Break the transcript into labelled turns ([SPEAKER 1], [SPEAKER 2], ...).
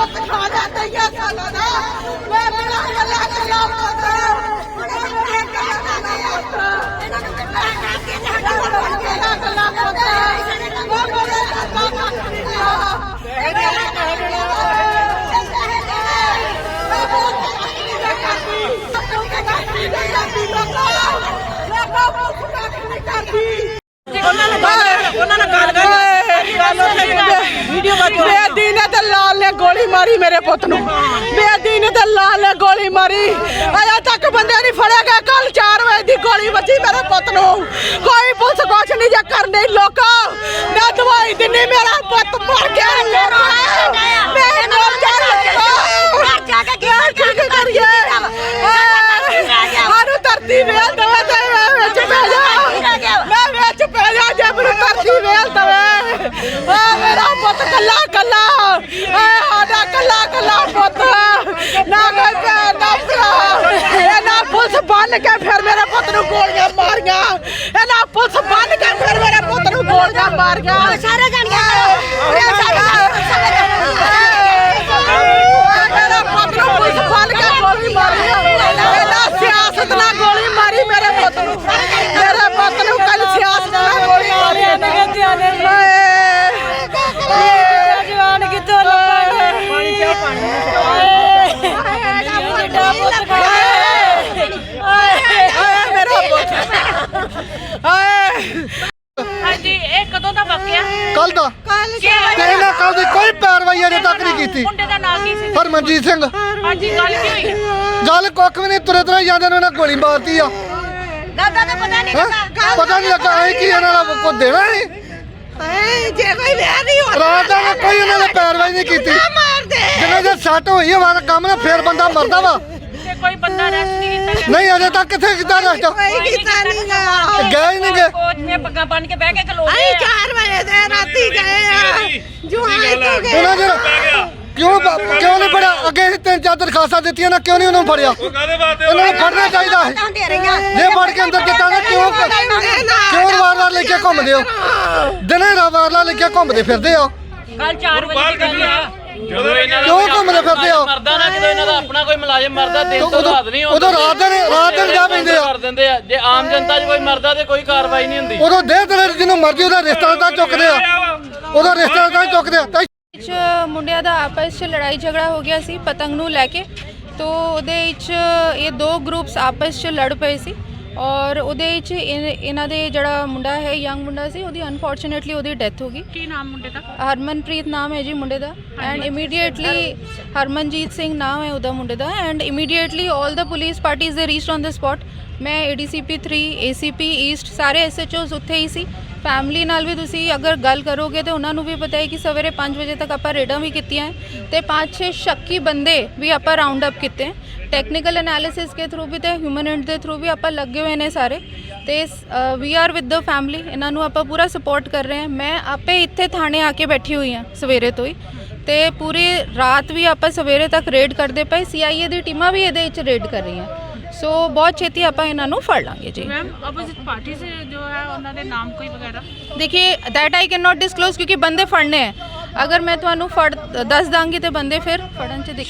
[SPEAKER 1] पुत खा जाते ये साला ना मैं मेरा गला गला पुत मेरे गला गला पुत वो मेरे बेदी ने तो लाल ने गोली मारी मेरे पुत नूं बेदी ने तो लाल ने गोली मारी अजे तक बंदे नहीं फड़े गए कल 4 बजे की गोली बची मेरे पुत नूं कोई पुलिस कुछ नहीं जे करनी लोका मैं दवाई दिनी मेरा पुत मर गया सानू धरती वेल दवे मैं विच पै जा जे मैनू धरती वेल दवे मेरा पुत कला कला साडा कला कला पुत ना कोई भैन ना भरा ना पुलिस बन के फिर मेरे पुत नूं गोलियां मारियां ना पुलिस बन के फिर मेरे पुत नूं गोलियां मारियां सारे जानियां मेरे पुत नूं पुलिस बन के गोली मारी ना सियासत ना गोली मारी मेरे पुत नूं कल सियासत ना गोली मारी जवान कितों
[SPEAKER 2] कल दी कोई पैरवाई अजे तक नहीं की हरमनजीत सिंह गल कुछ भी नहीं तुरे तुरे जाते गोली मारती आ पता नहीं लगा कि को देना नहीं रात कोई उन्होंने पैरवाई नहीं की जिन्हें जे सट हुई हमारा काम ना फिर बंदा मरदा वा
[SPEAKER 3] कोई बंदा रेस्ट नहीं कीता
[SPEAKER 2] नहीं अजे तक किथे कीता रेस्ट गए ही नहीं गए
[SPEAKER 3] कोच ने पग्गा बन के बैठ के खलो
[SPEAKER 1] आई 4 बजे दे राती गए जो आए तो गए
[SPEAKER 2] क्यों नहीं फड़िया अगे 3-4 दरखास्तां दित्तियां ना क्यों नहीं उन्होंने फड़िया उन्होंने फड़ना चाहिए जे फड़ के अंदर किता ना क्यों वार-वार लेके घूमदे हो दिने वार-वार लेके घूमदे फिरदे हो
[SPEAKER 3] कल 4 बजे की गल है
[SPEAKER 2] क्यों घूमदे फिरदे हो
[SPEAKER 4] मरदा ना ਜਦੋਂ ਇਹਨਾਂ ਦਾ ਆਪਣਾ ਕੋਈ ਮੁਲਾਜ਼ਮ ਮਰਦਾ ਦਿਨ ਤੋਂ ਰਾਤ ਨਹੀਂ ਹੁੰਦਾ
[SPEAKER 2] ਉਦੋਂ ਰਾਤ ਦਿਨ ਜਾ ਪੈਂਦੇ ਆ
[SPEAKER 4] ਕਰ ਦਿੰਦੇ ਆ ਜੇ ਆਮ ਜਨਤਾ 'ਚ ਕੋਈ ਮਰਦਾ ਤੇ ਕੋਈ ਕਾਰਵਾਈ ਨਹੀਂ ਹੁੰਦੀ
[SPEAKER 2] ਉਦੋਂ ਦੇਹ ਤੇ ਜਿਹਨੂੰ ਮਰਜ਼ੀ ਉਹਦਾ ਰਿਸ਼ਤੇਦਾਰ ਚੁੱਕਦੇ ਆ ਉਹਦਾ ਰਿਸ਼ਤੇਦਾਰ ਚੁੱਕਦੇ ਆ
[SPEAKER 5] ਮੁੰਡਿਆਂ ਦਾ ਆਪਸ 'ਚ ਲੜਾਈ ਝਗੜਾ ਹੋ ਗਿਆ ਸੀ ਪਤੰਗ ਨੂੰ ਲੈ ਕੇ ਤੋ ਉਹਦੇ ਵਿੱਚ ਇਹ 2 ਗਰੁੱਪਸ ਆਪਸ 'ਚ ਲੜ ਪਏ ਸੀ ਔਰ ਉਹਦੇ ਵਿੱਚ ਇਹਨਾਂ ਦੇ ਜਿਹੜਾ ਮੁੰਡਾ ਹੈ ਯੰਗ ਮੁੰਡਾ ਸੀ ਉਹਦੀ ਅਨਫੋਰਚੂਨੇਟਲੀ ਉਹਦੀ ਡੈਥ ਹੋ ਗਈ
[SPEAKER 3] ਕੀ ਨਾਮ ਮੁੰਡੇ ਦਾ
[SPEAKER 5] ਹਰਮਨਪ੍ਰੀਤ ਨਾਮ ਹੈ ਜੀ ਮੁੰਡੇ ਦਾ ਐਂਡ ਇਮੀਡੀਏਟਲੀ ਹਰਮਨਜੀਤ ਸਿੰਘ ਨਾਮ ਹੈ ਉਹਦਾ ਮੁੰਡੇ ਦਾ and immediately all the police parties ਦੇ ਰੀਚਡ ਔਨ ਦ ਸਪੌਟ ਮੈਂ ADCP 3 ACP ਈਸਟ ਸਾਰੇ SHOs ਉੱਥੇ ਹੀ ਸੀ ਫੈਮਿਲੀ ਨਾਲ ਵੀ ਤੁਸੀਂ ਅਗਰ ਗੱਲ ਕਰੋਗੇ ਤਾਂ ਉਹਨਾਂ ਨੂੰ ਵੀ ਪਤਾ ਹੈ ਕਿ ਸਵੇਰੇ 5 ਵਜੇ ਤੱਕ ਆਪਾਂ ਰੇਡਾਂ ਵੀ ਕੀਤੀਆਂ ਤੇ 5-6 ਸ਼ੱਕੀ ਬੰਦੇ ਵੀ ਆਪਾਂ ਰਾਉਂਡ ਅਪ ਕੀਤੇ ਟੈਕਨੀਕਲ ਐਨਾਲਿਸਿਸ ਕੇ ਥਰੂ ਵੀ ਤੇ ਹਿਊਮਨ ਐਂਡ ਦੇ ਥਰੂ ਵੀ ਆਪਾਂ ਲੱਗੇ ਹੋਏ ਨੇ ਸਾਰੇ ਤੇ ਵੀ ਆਰ ਵਿਦ ਦ ਫੈਮਿਲੀ ਇਹਨਾਂ ਨੂੰ ਆਪਾਂ ਪੂਰਾ ਸਪੋਰਟ ਕਰ ਰਹੇ ਹਾਂ ਮੈਂ ਆਪੇ ਇੱਥੇ ਥਾਣੇ ਆ ਕੇ ਬੈਠੀ ਹੋਈ ਹਾਂ ਸਵੇਰੇ ਤੋਂ ਹੀ ਤੇ ਪੂਰੀ ਰਾਤ ਵੀ ਆਪਾਂ ਸਵੇਰੇ ਤੱਕ ਰੇਡ ਕਰਦੇ ਪਏ CIA ਦੀ ਟੀਮਾਂ ਵੀ ਇਹਦੇ ਵਿੱਚ ਰੇਡ ਕਰ ਰਹੀਆਂ सो बहुत छेती आप इन्हों फड़ लाँगे जी
[SPEAKER 3] मैम अपोजिट पार्टी से जो है उन्होंने नाम कोई वगैरह
[SPEAKER 5] देखिए that I can not disclose क्योंकि बंदे फड़ने हैं अगर मैं तुम्हें फड़ दस दाँगी तो बंदे फिर फड़न च